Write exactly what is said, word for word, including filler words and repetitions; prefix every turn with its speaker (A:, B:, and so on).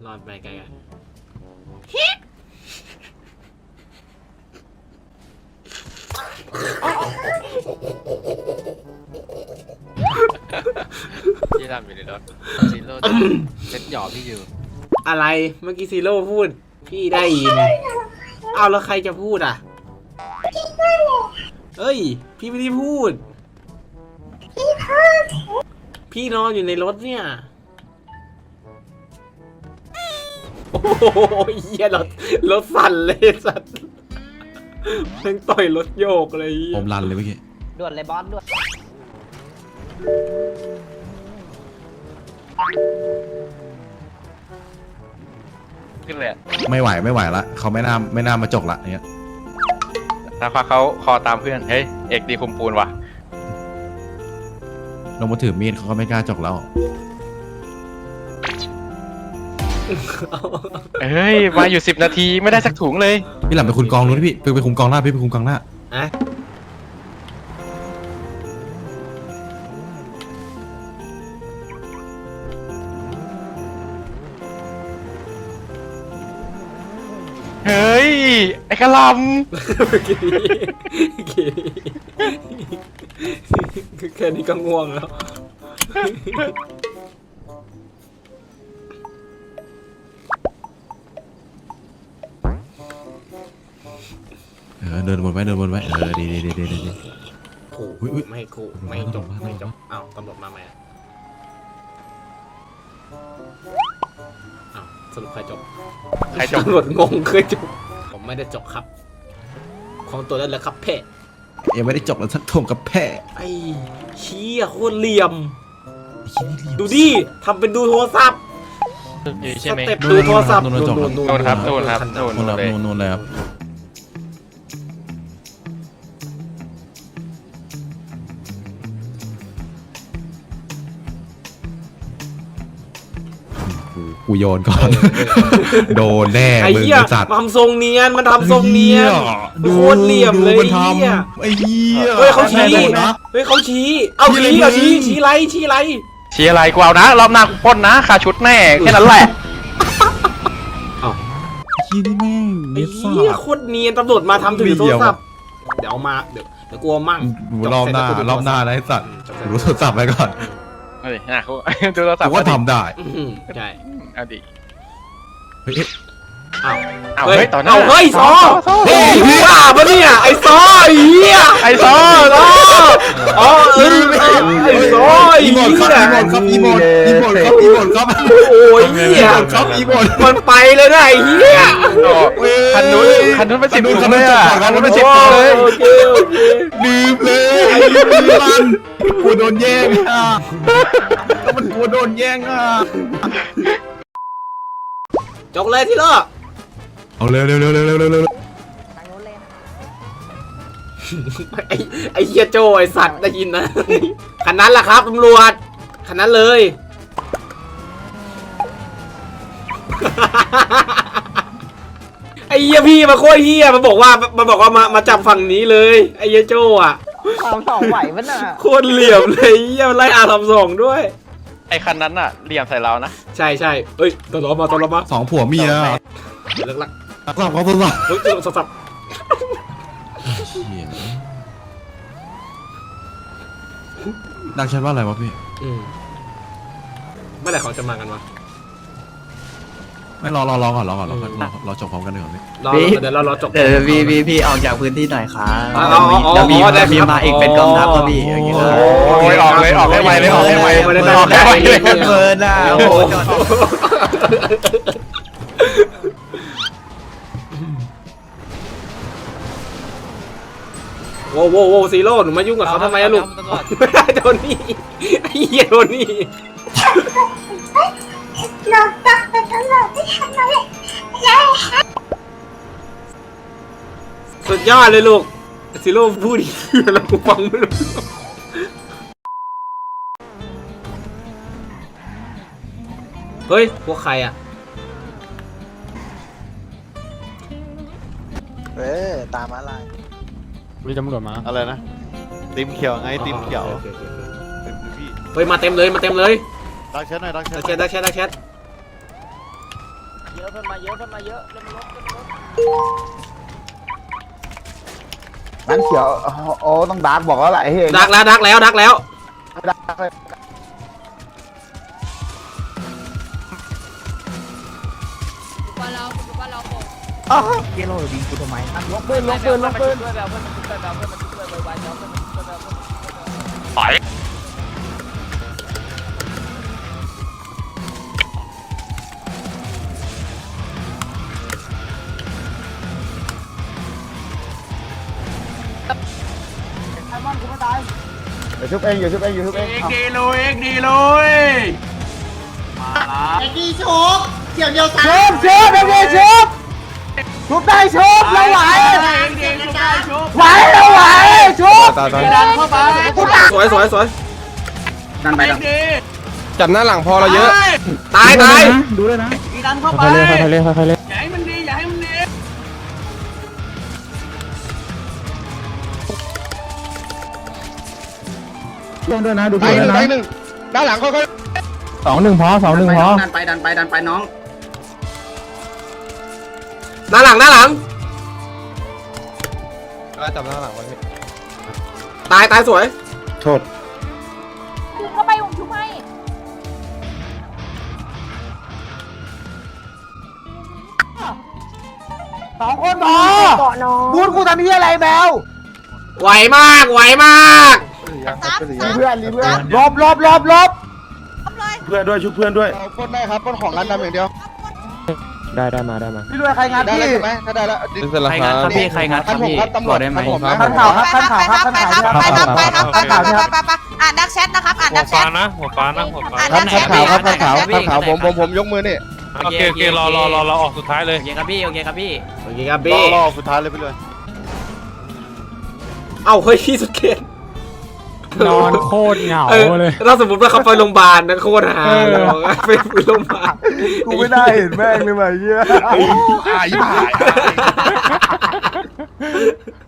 A: รอดไปไกลกัน
B: พี่ทำอยู่ในรถซีโร่เซ็ตหยอพี่อยู่
A: อะไรเมื่อกี้ซีโร่พูดพี่ได้ยินเอาแล้วใครจะพูดอ่ะเอ้ยพี่ไม่ได้พูดพี่พูดพี่นอนอยู่ในรถเนี่ยโอ้โหเหี้ยรถรถสั่นเลยสัตว์เพิ่งต่อยรถโยกเลย
C: ผมรันเลยเมื่อกี้
D: ด่วนเลยบอสด่วน
B: ขึ้นเลย
C: ไม่ไหวไม่ไหวละเขาไม่น่าไม่น่ามาจกละเนี้ย
B: ถ้าเขาคอตามเพื่อนเฮ้ยเอกดีคุมปูนว่ะ
C: ลงมาถือมีดเขาก็ไม่กล้าจกแล้ว
B: เฮ้ยมาอยู่สิบนาทีไม่ได้สักถุงเลย
C: พี่หลับไปคุมกองนู้นพี่ไปไปคุมกองหน้าพี่ไปคุมกองหน้า
A: อะ
B: เฮ้ยไอ้กระล
A: ำแค่นี้ก็ง่วงแล้ว
C: เออเดินวนไว้เดินวนไว้เออดีดีดีดีดี
A: ขู่ไม่ขู่ไม่จบไม่จบอ้าวตำรวจมาไหมอ้าวสรุปใครจบ
B: ใครจบ
A: ตำรวจงงเคยจบผมไม่ได้จบครับของตัวนั้นแหละครับเพ่
C: ยังไม่ได้จบแล้วสักทงกับแพ้
A: ไอ้เชี่ยโคตรเหลี่ยมดูดิทำเป็นดูโทรศัพท์
B: ใช่ไหม
A: สเต็ปดูโทรศัพท์นู่น
B: นู่นครับนู่นครับนู่น
C: นู่น
B: เลย
C: นู่นเลยครับกูโยนก่อนโดนแน่มึงจัด
A: ทำทรงเนียนมันทำทรงเนียนโคตรเหลี่ยมเลยไอ้เหี้ยเฮ้ยเขาชี้เฮ้ยเขาชี้เอาชี้เอาชี้ชี้ไรชี้ไร
B: ชี้อะไรกูเอานะรอบหน้ากูป้นนะคาชุดแน่แค่นั้นแหละ
C: ชี้นี่แม่ง
A: ไอ้เหี้ยโคตรเนียนตำรวจมาทำถือโทรศัพท์เดี๋ยวมาเดี๋ยวเดี๋ยวกลัวมั่ง
C: รอบหน้ารอบหน้านะไอ้สัตว์รู้โทรศัพท์ไปก่อน
B: เฮ้ยนะเขาดูโทรศัพท์
C: ก็ทำได้
A: ใช่
B: เอาดิ
C: เฮ้ย
A: อ้าว
B: เอาเฮ้ยต่อหน้า
A: เฮ้ยซอเฮ้ยบ้าปะเนี่ยไอ้ซอไอ้เหี้ย
B: ไอ้ซอซอ
A: อ๋อเออไอ้ซอ
C: อีโมดครับอีโมดอีโมดครับอีโมดครับอีโมดครับ
A: โอ้ยเหี้ย
C: ครับอีโมด
A: มันไปเลยนะไอ้เหี้ย
B: คันนู้นคันนู้นเป็นสิบถุงเลยอ่ะคันนู้นเป็นสิบถุงเลย
A: โอเคโอเค
C: ดื่มเลยไอ้มันกูโดนแย่งอ่ะก็มันกูโดนแย่งอ่ะ
A: จกเลยที่ล่อ
C: เอาเร็วเร็วเร็วเร็วเร็วเร็วเร็ว
A: ไอ้ไอ้เหี้ยโจไอ้สัตว์ได้ยินนะคันนั้นแหละครับตำรวจคันนั้นเลยไอ้เหี้ยพี่มาโคตรเหี้ยมาบอกว่ามาบอกว่ามามาจับฝั่งนี้เลยไอ้เหี้ยโจอ่ะ
D: ทำสองไหวมันอ่ะ
A: โคตรเหลี่ยมเลยเหี้ยไล่อาทำสองด้วย
B: ไอ้คันนั้นอ่ะเหลี่ยมใส่เรานะ
A: ใช่ใช่เอ้ยตลอดมาตลอดมา
C: สองผัวเมีย
A: เลิกลัก
C: ลักลักเขาตัวสับ
A: เฮ้ยตัวสับ
C: ดังฉันว่าอะไรวะพี่
A: เมื่อไหร่เขาจะมากันวะ
C: ไม่รอรอรอก่อนรอก่อนรอรอรอจบพร้อมกันเลยก่อน
A: พี่เดี๋ยวเรารอจบ
D: เดี๋ยวพี่พี่พี่ออกจากพื้นที่หน่อยครับ
A: เดี๋ยว
D: มีมีมาอีกเป็นกองทัพก็พี่อย่างเงี้ย
B: โอ้ยออกเลยออกให้ไวเลยออกให้ไวออกให้ไวเลย
D: เพลินอ่ะโอ้โห
A: โว้โว้โว้ซีโร่หนูมายุ่งกับเขาทำไมอะลูกไม่ได้โดนนี่ไอ้เหี้ยโดนนี่เราตักไปตลอดไม่ทันเลยสุดยอดเลยลูกซีโร่พูดอีกแล้วกูฟังไม่รู้เฮ้ยพวกใครอะ
D: เออตามอะไร
E: มีตำรวจมา
F: อะไรนะติมเขียวไงติมเขียวเต็มพี่
A: เฮ้ยมาเต็มเลยมาเต็มเลย
F: ดักแชทหน่อยดักแชท
A: ดักแชทดักแชทดักแชท
G: เยอะเพิ่มมาเยอะเพิ่มมาเยอะเพิ่มมาลดเพิ่มมาลด
H: นั่นเขียวโอ้ต้องดาร์กบอกแล้วแหละเฮ้ย
A: ดักแล้วดักแล้วดักแล้ว
H: ดาร์กเลยเกโลดีกูทำไมลงปืนลงปืนลงปืน
G: ช่วยแบบเพื่อนมันช่วยแบบเพื่อนมันช่วยไวๆแล้วเพื่อนมันช่วยแบบเพื่อนมันช่วยแบบ
B: ถอย
H: เดี๋ยวชุบเองอยู่ชุบเองอยู่ชุบเอง
C: ดีลุยดีลุยมาละ
H: ชุบชุบเดี๋ยวชุบชุบชุบได้ชุบเราไหวไหวเราไหวชุบ
C: ดันเข้าไป
A: สวยสวยสวย
H: นั่นไปแล้ว
E: จับหน้าหลังพอเราเยอะ
A: ตายตาย
H: ดูเลยนะ
C: ดันเข้าไป
E: ค่อยเล่นค่อยเล่นค่อยเล่น
C: อย่าให้มันดีอย่าให้มันดี
H: ช่วงด้วยนะดูด้วยนะ
E: ด้านหลังค่อยสองหนึ่งพอสองหนึ่งพอ
H: ดันไปดันไปดันไปน้อง
A: หน้าหลังหน้าหลัง
E: จับหน้าหลังไว้
A: ตายตายสวย
H: โทษ
G: ชุบเข้าไปผมชุบให้
H: สองคนพอ
G: เกาะน้อง
H: บูธกูทำที่อะไรแบล
A: ไหวมากไหวมาก
H: รีเพื่อนรีเพื่อนลบลบลบลบ
C: เพื่อนด้วยชุบเพื่อนด้วย
E: ปล้นได้ครับปล้นของร้านดำอย่างเดียวได้ได้มาได้มา
H: พี่ด้วยใครงานพี่
E: ใช่ได้แล้วเสร็จแล้ว
D: ใคร
E: ค
D: งั
E: รั
D: ด
E: บ
D: ครับพี่ใครงานครับพี่บอกได้ไหม
H: ท่านข่าวครับท่านข่าวครับท่านข่าว
I: ไปครับไปครับไปครับไปครับไป
H: ท่านข่าว
I: ครับไปครับอ่านดักแชทนะครับอ่านดักแชท
B: นะหัวฟ้านะหัวฟ้า
I: อ่าน
E: ท่า
I: ดั
E: น
I: กแชท
E: ขาวครับท่านขาว
I: อ่
E: ท่านขาวผมผมผมยกมือนี่
B: โอเคโอเครอรอรอรอออกสุดท้ายเลย
D: โอเคครับพี่โอเคครับพี่
A: โอเคครับ
F: ร
A: พี่
F: อรอสุดท้ายเลยไปเลย
A: เอ้าเฮ้ยพี่สุดเกต
E: นอนโคตรเหงา
A: เออ
E: เลย
A: ถ้าสมมติว่าเขาไปโรงพยาบาลนะโคตรหาเลยบอกว่าไปโรงพยาบาล
H: กูไม่ได้เห็นแม่งเลยว่ะเหี้ย
C: อายผ่าย